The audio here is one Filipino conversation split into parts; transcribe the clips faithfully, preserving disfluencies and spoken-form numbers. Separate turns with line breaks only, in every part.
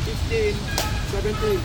sixteen, seventeen.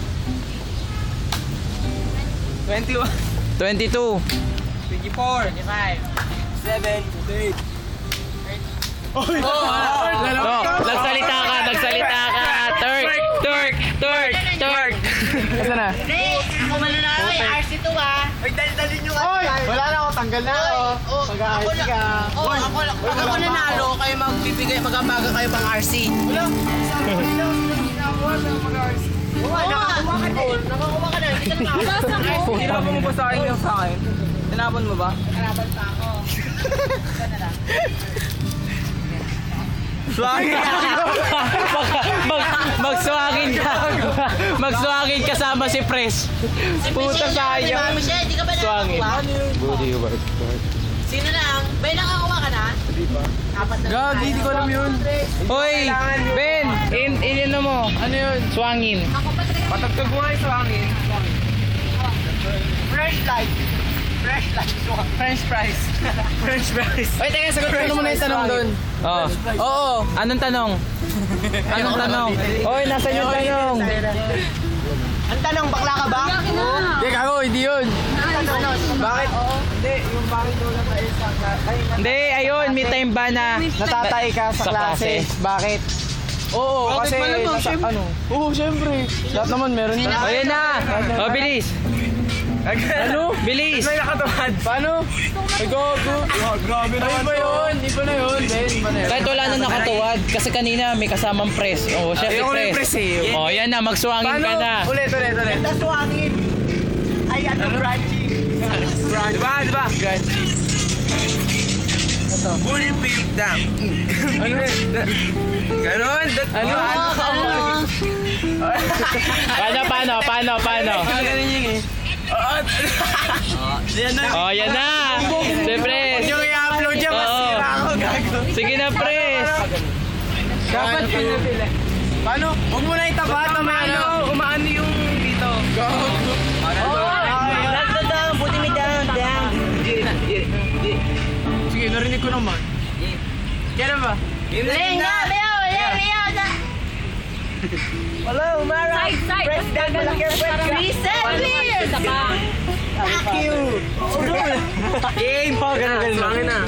twenty-one.
twenty-two.
twenty-four. twenty-five. seven. twenty-eight. Oy!
No, nagsalita ka, nagsalita ka. Turk, Turk, Turk, Turk.
Asa na?
Hindi, ako mananalo eh. R C two ah.
Ay, dali-dali nyo Oy! Wala na ako, tanggal na ako.
Oh,
Mag-A-R C ka.
Oh, ako, pag ako nanalo, kayo magbibigay, magabaga kayo pang R C.
Wala. Sabi ko nila, sila ginawa na mag-A R C.
Oo, nakakuha ka din. Nakakuha ka na. Hindi ka nakakabasa ng R C.
Tinapon mo ba sa akin yung sa akin? Tinapon mo ba?
Nakaraban pa ako. Ika na lang.
Swagin!
Mag, magswagin ka. Magswagin kasama si Pres. Puta sayang.
Mami siya, hindi ka ba
Swangin.
nakakuha?
Budi work.
Sino lang? Bay, nakakuha ka na?
Hindi pa.
Apat na.
God, hindi ko alam yun.
Hoy, Ben, in, in ano mo?
Ano yun?
Swangin.
Patagtag mo nga yung swangin. Fresh light. Fresh light. French fries. French fries. Oy, teka, sagot ko muna yung tanong doon.
Oh. Oo. Anong tanong? Anong tanong? Hoy, nasa yung tanong?
Ang tanong, bakla ka ba? Hindi, kago, hindi yun. Bakit? Hindi, yung bakit daw lang tayo sa...
Hindi, ayun, may time ba na
Natatay ka sa,
Sa
klase.
klase.
Bakit? Oo,
Bakit
kasi
malamang,
nasa,
syempre.
ano? Oo, syempre. Lahat naman meron na.
O, yan na. O, bilis.
Ano?
Bilis.
May nakatuhad. Paano? Ay, gago. Grabe naman. Iba yun. Iba na yun. Iba na yun.
Kahit wala na nakatuwad. Kasi kanina may kasamang press. O, syempre
Ayoko na yung
press.
press eh.
O, yan na. Magswangin ka na.
Ulit, ulit, ulit. Naswangin. Ay, ano? Crunchy. Crunchy. Diba, diba? Crunchy. Ito. Bullfield dam. Ano? Ganon? Ano? Ano?
Paano, paano, paano, paano?
Ganon yun eh. Yan na.
O, yan na. Si press.
Yung i-upload niya,
Oo.
masira ako, gago.
Sige na, press.
Dapat pinapila. Paano? Huwag mo na itapat na may ano. Umaano yung dito. Gago.
Down, down, buti me down, down.
Sige, narinig ko naman. Kailan ba?
Leng na, Leo, Leo, Leo.
Wala, umara.
Side, side.
President, malaki ang president.
Reset, please.
Fuck you. Game pa, ganun, ganun. Sangin na.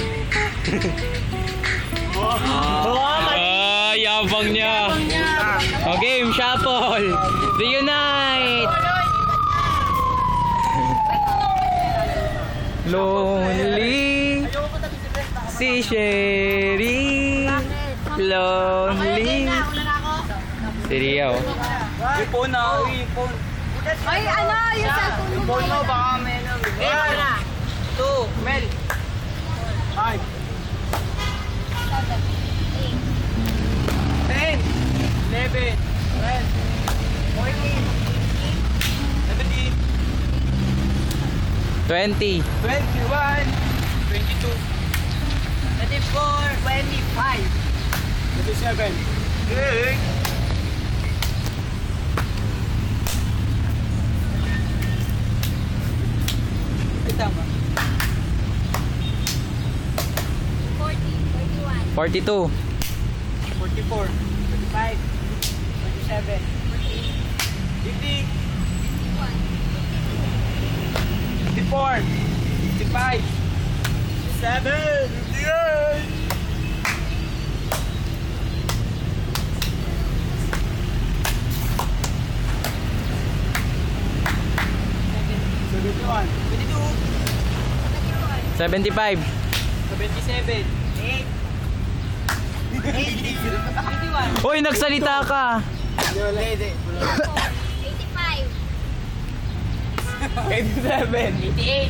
Ah, yabang niya. O, game, shuffle. Reunite. Lonely. Si Sherry. Lonely. Si Ria, oh.
Yung phone na, yung phone.
Ay, ano, yung cellphone mo.
Yung phone mo, baka may ano.
Eight na. Two.
Mel. Five. Ten. Eleven. Twelve. Fourteen. Seventeen.
twenty.
Twenty-one. Twenty-two.
Twenty-four.
Twenty-five. Twenty-seven. Hey. Ay, tama.
forty, forty-one.
forty-two.
Forty-four. Forty-five. Forty-seven. Fifty. Fifty-four. Fifty-five. Fifty-seven. Fifty-eight. Seventy-one. Seventy-two.
seventy-five.
Seventy-seven. Eight. Eighty-one.
Uy, nagsalita ka.
Hindi,
eighty-five.
eighty-seven.
Eighty-eight.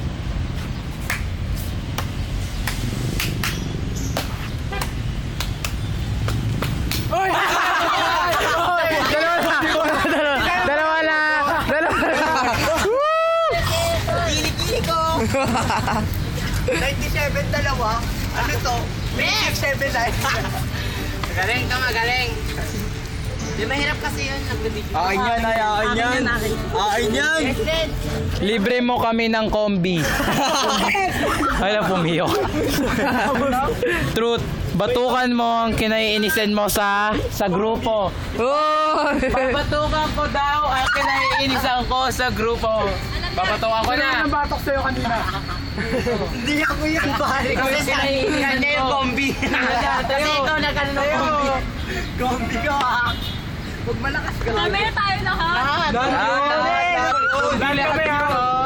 Oy! Dalawa na! Dalawa na! Dalawa na!
Gili-gili ko.
ninety-seven dalawa? Ano to? ninety-seven na.
Magaling ka, magaling. Di mahirap kasi yun. Nagbibigyo.
Akin yan, ay, akin yan. Akin yan.
President.
Libre mo kami ng kombi. Wala pumiyok. Truth. batukan mo ang kinaiinisan mo sa sa grupo.
Oh!
Babatukan ko daw ang kinaiinisan ko sa grupo. Babatukan ko na.
Anong batok sa'yo kanina? Hindi ako yung bari.
Kasi kinaiinisan
Kanya yung
ko.
kombi. Kasi ikaw nagano ng kombi.
Kombi ka ah. Huwag malakas ka lang.
Mamaya tayo lahat.
Dali kami ha.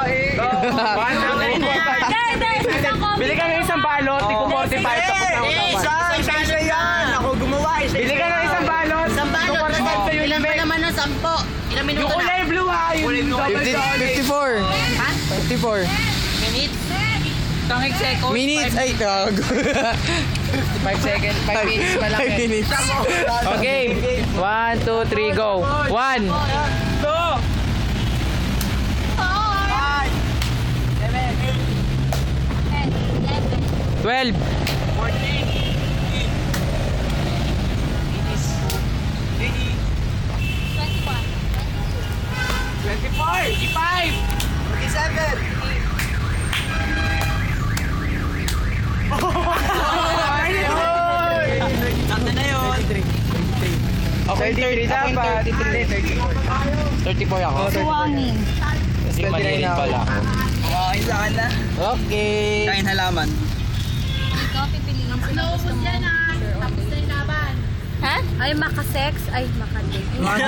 Bili ka ng isang balot, di ko forty-five tapos na usapan.
Isa, isa yan. Ako gumawa. Isa,
Bili ka ng isang balot.
Isang balot. Ilan ba naman ng sampo? Ilang minuto
Yung
na?
kulay blue ha, yung double solid.
fifty-four.
Ha?
fifty-four.
Minutes?
Tangik seconds.
Minutes. Ay, tawag.
five seconds, five minutes pa lang
Five
eh.
minutes.
Okay, one, two, three, go. One.
Two. Five. Seven.
ten, eleven,
Twelve.
Fourteen.
twenty-one,
Twenty-four. Twenty-five. Twenty-seven. Sakto na yun.
Okay, thirty dapat. thirty-four ako.
Suwangin.
Kasi maliit pala ako.
Kain saan na?
Okay.
Kain halaman.
Ikaw pipiliin sa gusto mo. Tapos na yung laban. Ha? Ay, makasex. Ay, makadate.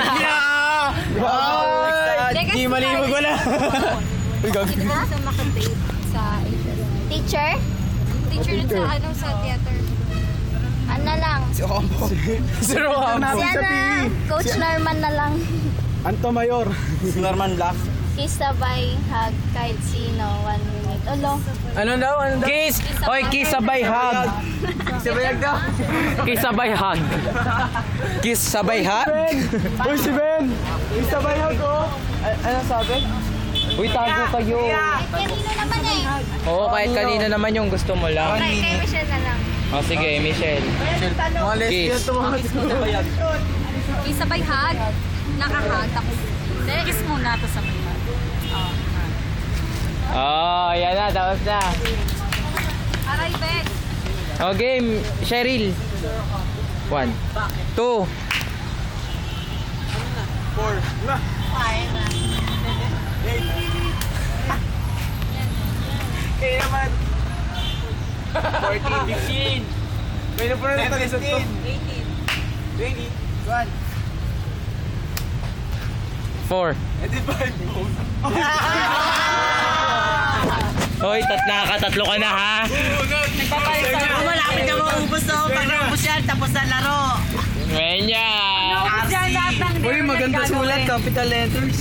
Di malibog wala.
Dito ka sa makadate sa teacher? Teacher dun sa ano sa theater. Ano lang?
Si Ombo. Si Rohambo.
Si ano, Coach Norman na lang.
Anto Mayor. Si Norman Black.
Kiss sabay, hug, kahit sino, one minute. Olo.
Ano daw? Ano daw?
Kiss! Oy, kiss sabay hug!
Sabayag daw.
Kiss sabay hug!
Kiss sabay ha? Uy, si Ben! Kiss sabay ha ko! Ano sabi?
Uy, tago kayo!
Kahit kanino naman eh.
Oo, kahit kanina naman yung gusto mo lang.
Kay, kay Michelle na lang.
O sige, Michelle.
Mga lesbian
Kiss.
to mga sabayag.
Kiss sabay, hug. Nakahug. Tapos, kiss muna to sabay hug.
Oh, yan na, tapos na.
Aray, Ben.
Okay, Cheryl. One. Two.
Four. Na. Kaya naman. Fourteen. Fifteen. May na po na ito. Eighteen. Twenty. One.
Four.
Eighty-five.
Hoy, tat nakakatatlo ka na ha.
Kung malapit na maubos to, pag naubos yan, tapos na laro.
Menya.
Uy, maganda sulat. Capital letters.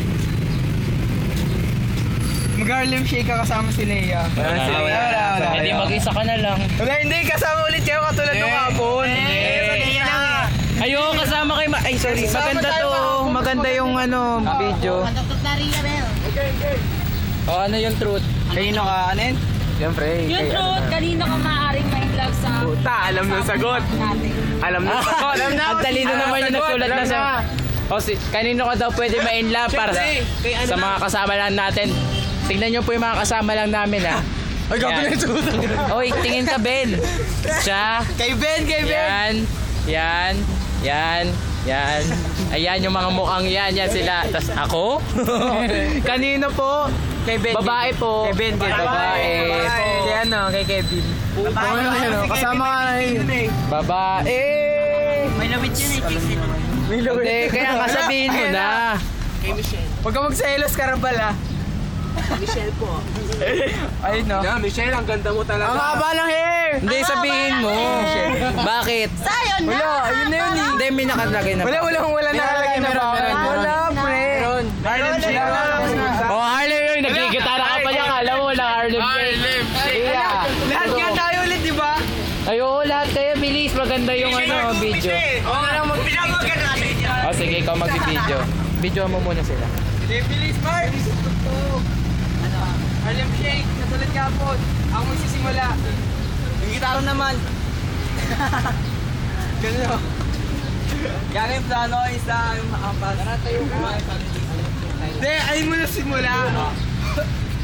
Mag-Harlem Shake ka kasama si Leia.
Wala, wala, wala,
wala.
Hindi, mag-isa ka na lang.
Wala, hindi. Kasama ulit kayo katulad ng hapon.
Ayo, kasama kay Ma- Ay, sorry. Maganda to. Maganda yung ano, video.
Patutok na rin na, Bel.
O, ano yung truth?
Kanino ka, anin?
Siyempre.
Yung
kay-
truth, kanino ka maaaring ma-in love sa
Puta, alam ng sagot.
natin?
Alam ng sagot. Alam na.
Ang talino naman yung nagsulat na sa... O, si, kanino ka daw pwede ma-in love para sa, sa mga kasama lang natin. Tignan nyo po yung mga kasama lang namin, ha.
Ay, gabi
Yan.
na yung sulat.
Oy, tingin ka, Ben. Siya.
Kay Ben, kay Ben.
Yan. Yan. Yan. Yan. Ayan yung mga mukhang yan. Yan sila. Tapos ako? Kanino po?
Kay Ben.
Babae po.
Kay Ben, kay
Babae.
Kay ano, kay Kevin. Babae. Kasama ka na yun.
Babae.
May lawit yun eh, fix it.
Hindi, kaya kasabihin mo na.
Kay Michelle.
Huwag ka magselos, Karabal ah.
Michelle po.
Ayun no.
Yeah, Michelle, ang ganda mo talaga.
Ang haba ng hair!
Hindi, sabihin mo. Bakit?
Sayon na!
Wala, ayun na yun eh.
Hindi, may nakalagay na.
Wala, wala, wala nakalagay na ba? Wala, pre. Harlem Shake.
Oh, Harlem yun. Nagkikitara ka pa niya. Kala mo wala Harlem Shake. Yeah.
Lahat nga tayo ulit, di ba?
Ay, oo, lahat kayo. Bilis. Maganda yung ano, video.
Oo nga lang, mag-pinamagan natin yan.
O, sige, ikaw mag-video. Video mo muna sila.
Bilis, Mark. Harlem Shake, katulad kapon. Ako magsisimula. Yung gitara naman. Ganun o. Yan yung plano is na yung makampas. Tara tayo kumain sa hindi, ayun mo na simula.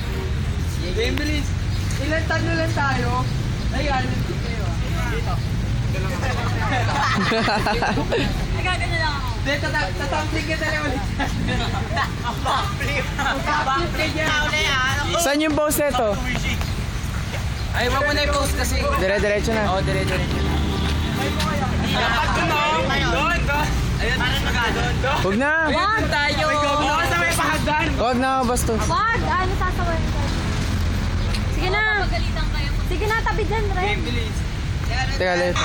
Game bilis. Ilan taglo lang tayo. Ay, Harlem Shake kayo. Dito.
Nagagano lang ako.
Hindi, tatamsig ka talaga ulit. Ang backflip. Ang backflip niya.
Saan yung boss nito?
Ay, wag mo na i-post kasi.
Dire-diretso na.
Oo, dire-diretso. Dapat doon, no? Doon, doon. Ayun, parang mag-doon, doon.
Huwag na.
Doon tayo. Oo, sa may pahagdan.
Huwag na, bastos.
Wag! Ano sasawayin ko? Sige na!
Pagalitan kayo.
Sige na, tabi dyan, Ren.
Bilis.
Teka, left.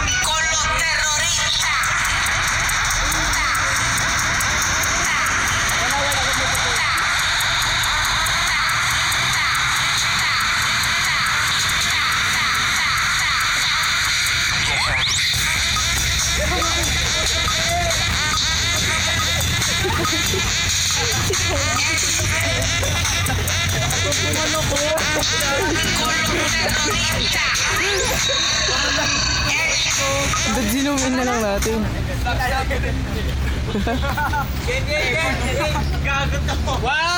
Ba't zoom in na lang natin?
Game, game, game. Gagot ako. Wow!